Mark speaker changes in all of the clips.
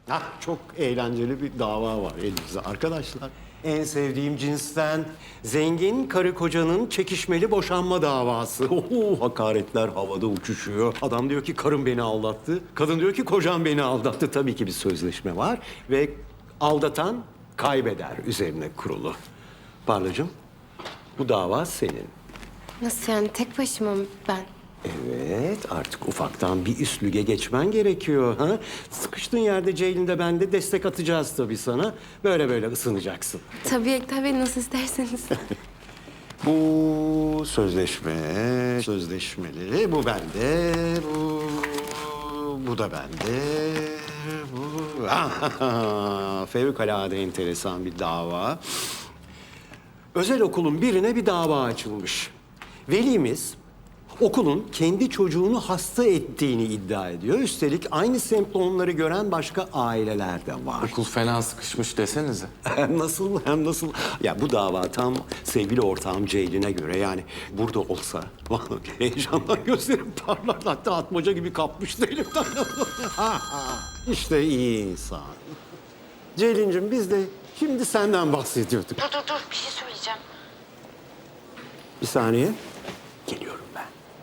Speaker 1: Çok eğlenceli bir dava var elimizde arkadaşlar. En sevdiğim cinsten zengin karı kocanın çekişmeli boşanma davası. Hakaretler havada uçuşuyor. Adam diyor ki karım beni aldattı. Kadın diyor ki kocam beni aldattı. Tabii ki bir sözleşme var ve aldatan kaybeder üzerine kurulu. Parlacığım, bu dava senin.
Speaker 2: Nasıl yani tek başıma mı ben?
Speaker 1: Evet, artık ufaktan bir üst lige geçmen gerekiyor. Ha? Sıkıştığın yerde Ceylin'de ben de destek atacağız tabii sana. Böyle böyle ısınacaksın.
Speaker 2: Tabii nasıl isterseniz.
Speaker 1: Bu sözleşmeli. Bu bende, bu da bende. Bu... Fevkalade enteresan bir dava. Özel okulun birine bir dava açılmış. Velimiz okulun kendi çocuğunu hasta ettiğini iddia ediyor. Üstelik aynı semptomları gören başka aileler de var.
Speaker 3: Okul fena sıkışmış desenize.
Speaker 1: Hem nasıl? Ya bu dava tam sevgili ortağım Ceylin'e göre yani burada olsa vallahi heyecandan gözlerim parlardı. Hatta atmaca gibi kapmıştı elimden. İşte iyi insan. Ceylin'cim biz de şimdi senden bahsediyorduk.
Speaker 2: Dur bir şey söyleyeceğim.
Speaker 1: Bir saniye. Geliyorum ben.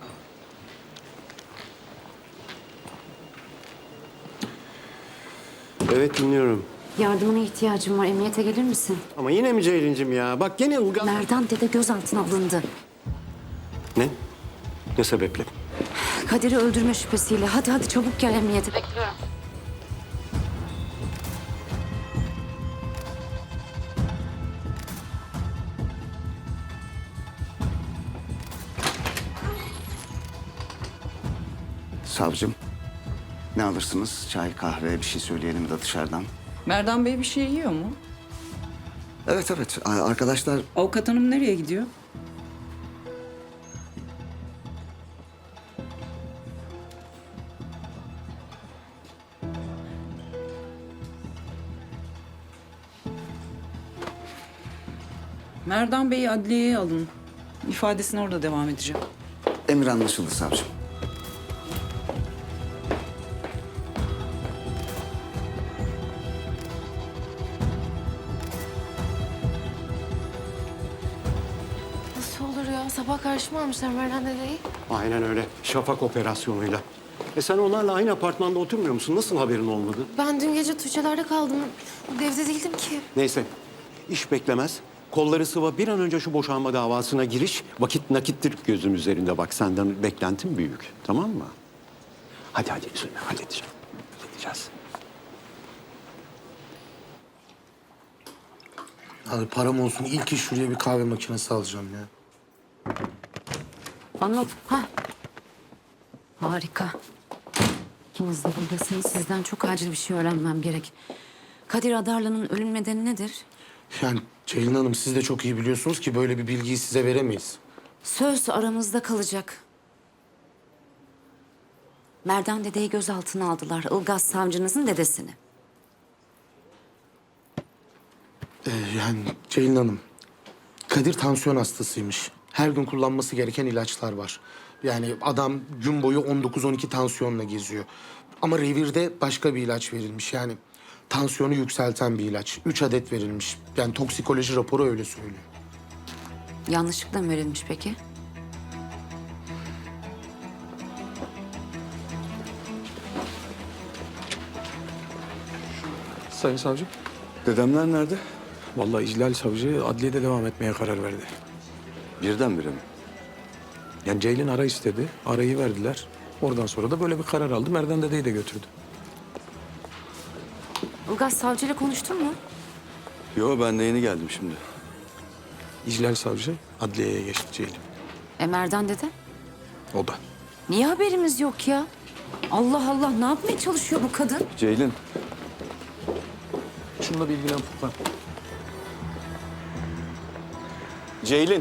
Speaker 1: Evet dinliyorum.
Speaker 4: Yardımına ihtiyacım var. Emniyete gelir misin?
Speaker 1: Ama yine mi Ceylin'cim ya? Bak gene Ilgaz...
Speaker 4: Merdan dede gözaltına alındı.
Speaker 1: Ne? Ne sebeple?
Speaker 4: Kadir'i öldürme şüphesiyle. Hadi çabuk gel emniyete. Bekliyorum.
Speaker 5: Savcım, ne alırsınız? Çay, kahve, bir şey söyleyelim de dışarıdan.
Speaker 6: Merdan Bey bir şey yiyor mu?
Speaker 5: Evet, arkadaşlar
Speaker 6: Avukat hanım nereye gidiyor? Merdan Bey'i adliyeye alın. İfadesine orada devam edeceğim.
Speaker 5: emir anlaşıldı savcım.
Speaker 2: Nasıl olur ya? Sabah karşıma almışlar Merdan dedeyi.
Speaker 1: Aynen öyle. Şafak operasyonuyla. Sen onlarla aynı apartmanda oturmuyor musun? Nasıl haberin olmadı?
Speaker 2: Ben dün gece Tuğçe'lerde kaldım. Evde değildim ki.
Speaker 1: Neyse. İş beklemez. Kolları sıva bir an önce şu boşanma davasına giriş. Vakit nakittir gözüm üzerinde bak. Senden beklentim büyük. Tamam mı? Hadi üzülme. Halledeceğiz.
Speaker 7: Abi param olsun ilk iş şuraya bir kahve makinesi alacağım ya.
Speaker 4: Anlat. Harika. İkiniz de buradasınız. Sizden çok acil bir şey öğrenmem gerek. Kadir Adarlı'nın ölüm nedeni nedir?
Speaker 7: Yani Ceylin Hanım siz de çok iyi biliyorsunuz ki böyle bir bilgiyi size veremeyiz.
Speaker 4: Söz aramızda kalacak. Merdan dedeyi gözaltına aldılar. Ilgaz savcınızın dedesini.
Speaker 7: Yani Ceylin Hanım, Kadir tansiyon hastasıymış. Her gün kullanması gereken ilaçlar var. Yani adam gün boyu 19-12 tansiyonla geziyor. Ama revirde başka bir ilaç verilmiş. Yani tansiyonu yükselten bir ilaç. 3 adet verilmiş. Yani toksikoloji raporu öyle söylüyor.
Speaker 4: Yanlışlıkla mı verilmiş peki?
Speaker 8: Sayın savcım,
Speaker 5: Dedemler nerede?
Speaker 8: vallahi İclal savcı adliyede devam etmeye karar verdi.
Speaker 5: Birdenbire mi?
Speaker 8: Yani Ceylin ara istedi, arayı verdiler. Oradan sonra da böyle bir karar aldı. Merdan dedeyi de götürdü.
Speaker 4: Ilgaz savcıyla konuştun mu?
Speaker 5: Yo, ben de yeni geldim şimdi.
Speaker 8: İclal savcı adliyeye geçti Ceylin.
Speaker 4: Merdan dede?
Speaker 8: O da.
Speaker 4: Niye haberimiz yok ya? Allah Allah, ne yapmaya çalışıyor bu kadın?
Speaker 5: Ceylin,
Speaker 8: Şununla bilgilen Furkan.
Speaker 5: Ceylin.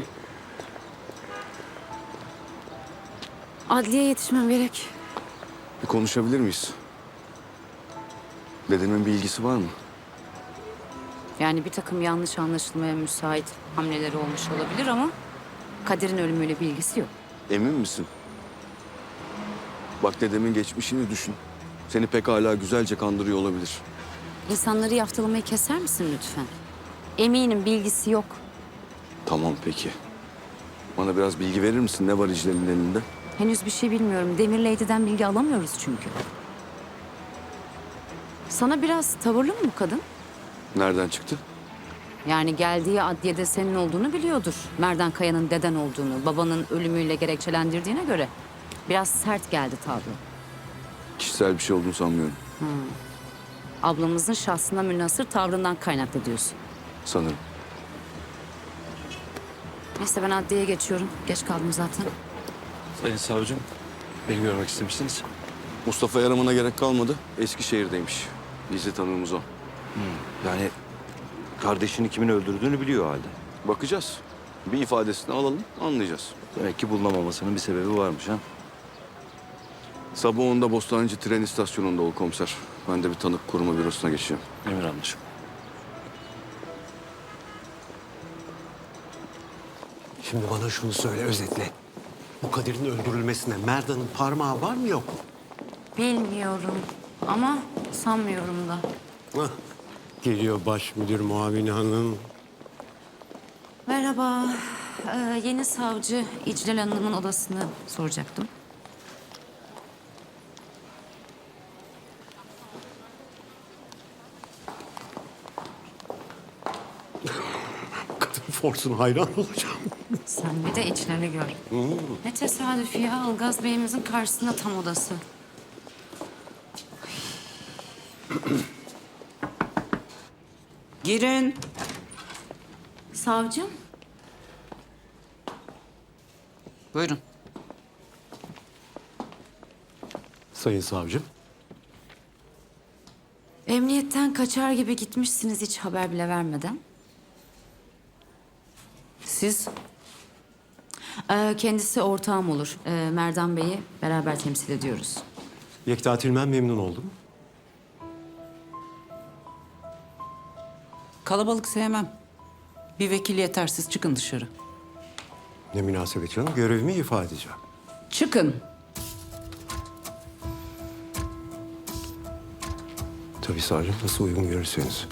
Speaker 4: Adliye yetişmem gerek.
Speaker 5: Bir konuşabilir miyiz? Dedemin bir ilgisi var mı?
Speaker 4: Yani bir takım yanlış anlaşılmaya müsait hamleleri olmuş olabilir ama Kadir'in ölümüyle bir ilgisi yok.
Speaker 5: Emin misin? Bak dedemin geçmişini düşün. Seni pekala güzelce kandırıyor olabilir.
Speaker 4: İnsanları yaftalamayı keser misin lütfen? Eminim bilgisi yok.
Speaker 9: Tamam peki. Bana biraz bilgi verir misin? Ne var İclal'in elinde?
Speaker 4: Henüz bir şey bilmiyorum. Demir Lady'den bilgi alamıyoruz çünkü. Sana biraz tavırlı mı bu kadın?
Speaker 9: Nereden çıktı?
Speaker 4: Yani geldiği adliyede senin olduğunu biliyordur. Merdan Kaya'nın deden olduğunu, babanın ölümüyle gerekçelendirdiğine göre biraz sert geldi tavrı.
Speaker 9: Kişisel bir şey olduğunu sanmıyorum.
Speaker 4: Ablamızın şahsına münhasır tavrından kaynaklı diyorsun.
Speaker 9: Sanırım.
Speaker 4: Neyse ben adliyeye geçiyorum. Geç kaldım zaten.
Speaker 10: Sayın savcım, beni görmek istemişsiniz.
Speaker 9: Mustafa aramana gerek kalmadı. Eskişehir'deymiş. Gizli tanığımız o.
Speaker 10: Yani kardeşini kimin öldürdüğünü biliyor halde.
Speaker 9: Bakacağız. Bir ifadesini alalım, anlayacağız.
Speaker 10: Demek ki bulunamamasının bir sebebi varmış ha.
Speaker 9: Sabah 10'da Bostancı tren istasyonunda ol komiser. Ben de bir tanık koruma bürosuna geçeceğim.
Speaker 10: Emir anlaşım.
Speaker 1: Şimdi bana şunu söyle özetle. Bu Kadir'in öldürülmesine Merdan'ın parmağı var mı yok mu?
Speaker 4: Bilmiyorum ama sanmıyorum da.
Speaker 1: Hah, geliyor baş müdür muavini hanım.
Speaker 4: Merhaba. Yeni savcı İclal Hanım'ın odasını soracaktım.
Speaker 1: Kadın forsuna hayran olacağım.
Speaker 4: Sen bir de içlerini gör. Ne tesadüf ya. Ilgaz Bey'imizin karşısında tam odası.
Speaker 6: Girin.
Speaker 4: Savcım.
Speaker 6: Buyurun.
Speaker 1: Sayın savcım.
Speaker 4: Emniyetten kaçar gibi gitmişsiniz hiç haber bile vermeden.
Speaker 6: Siz?
Speaker 4: Kendisi ortağım olur. Merdan Bey'i beraber temsil ediyoruz.
Speaker 1: Yekta Tilmen memnun oldum.
Speaker 6: Kalabalık sevmem. Bir vekil yetersiz, çıkın dışarı.
Speaker 1: Ne münasebet canım, görevimi ifa edeceğim.
Speaker 6: Çıkın.
Speaker 1: Tabii savcım, nasıl uygun görürseniz.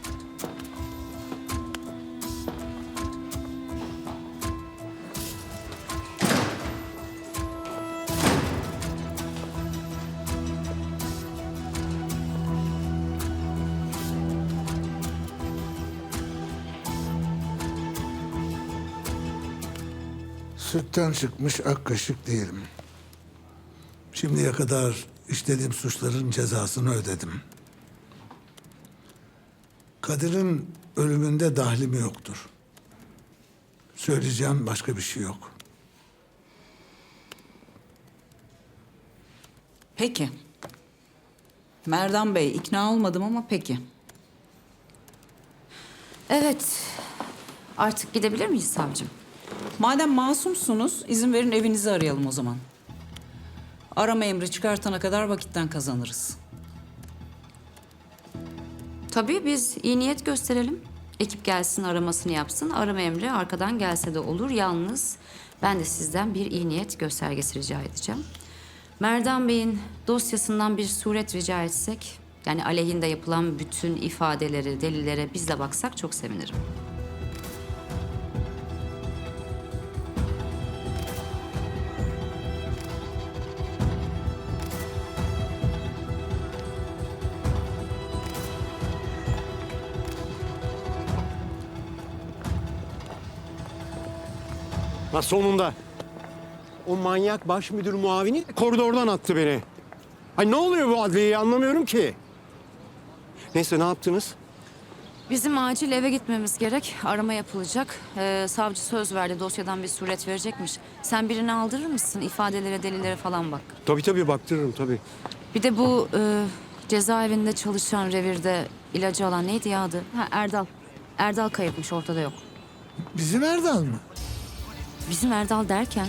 Speaker 11: Sütten çıkmış ak kaşık değilim. Şimdiye kadar işlediğim suçların cezasını ödedim. Kadir'in ölümünde dahlim yoktur. Söyleyeceğim başka bir şey yok.
Speaker 6: Peki. Merdan Bey, ikna olmadım ama peki.
Speaker 4: Evet. Artık gidebilir miyiz savcım?
Speaker 6: Madem masumsunuz, izin verin evinizi arayalım o zaman. Arama emri çıkartana kadar vakitten kazanırız.
Speaker 4: Tabii biz iyi niyet gösterelim. Ekip gelsin aramasını yapsın. Arama emri arkadan gelse de olur. Yalnız ben de sizden bir iyi niyet göstergesi rica edeceğim. Merdan Bey'in dosyasından bir suret rica etsek... yani aleyhinde yapılan bütün ifadeleri, delillere biz de baksak çok sevinirim.
Speaker 1: Ha sonunda. O manyak baş müdür muavini koridordan attı beni. Ay ne oluyor bu adliyeyi anlamıyorum ki. Neyse ne yaptınız?
Speaker 4: Bizim acil eve gitmemiz gerek. Arama yapılacak. Savcı söz verdi dosyadan bir suret verecekmiş. Sen birini aldırır mısın? İfadelere, delillere falan bak.
Speaker 1: Tabii baktırırım tabii.
Speaker 4: Bir de bu cezaevinde çalışan revirde ilacı alan neydi ya adı? Ha, Erdal. Erdal kayıpmış, ortada yok.
Speaker 11: Bizim Erdal mı?
Speaker 4: Bizim Erdal derken?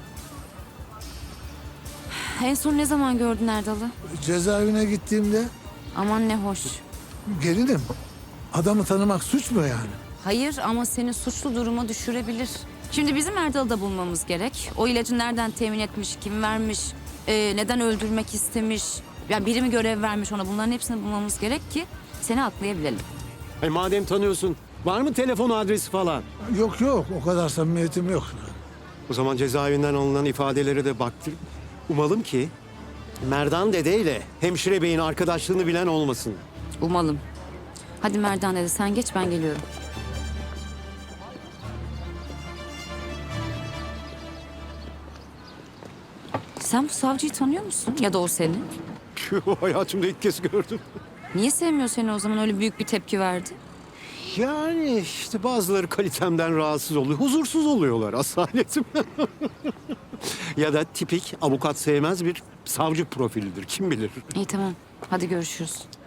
Speaker 4: En son ne zaman gördün Erdal'ı?
Speaker 11: Cezaevine gittiğimde
Speaker 4: Aman ne hoş.
Speaker 11: gelinim. Adamı tanımak suç mu yani?
Speaker 4: Hayır ama seni suçlu duruma düşürebilir. Şimdi bizim Erdal'ı da bulmamız gerek. O ilacı nereden temin etmiş, kim vermiş, neden öldürmek istemiş? Yani biri mi görev vermiş ona, bunların hepsini bulmamız gerek ki seni aklayabilelim.
Speaker 1: Madem tanıyorsun, var mı telefon adresi falan?
Speaker 11: Yok yok, o kadar samimiyetim yok.
Speaker 1: O zaman cezaevinden alınan ifadelere de baktır. Umalım ki Merdan Dede ile hemşire beyin arkadaşlığını bilen olmasın.
Speaker 4: Umalım. Hadi Merdan dedi, sen geç, ben geliyorum. Sen bu savcıyı tanıyor musun? Ya da o seni?
Speaker 1: Hayatımda ilk kez gördüm.
Speaker 4: Niye sevmiyor seni o zaman, öyle büyük bir tepki verdi?
Speaker 1: Yani işte bazıları kalitemden rahatsız oluyor. Huzursuz oluyorlar asaletim. Ya da tipik avukat sevmez bir savcı profilidir. Kim bilir?
Speaker 4: İyi tamam, hadi görüşürüz.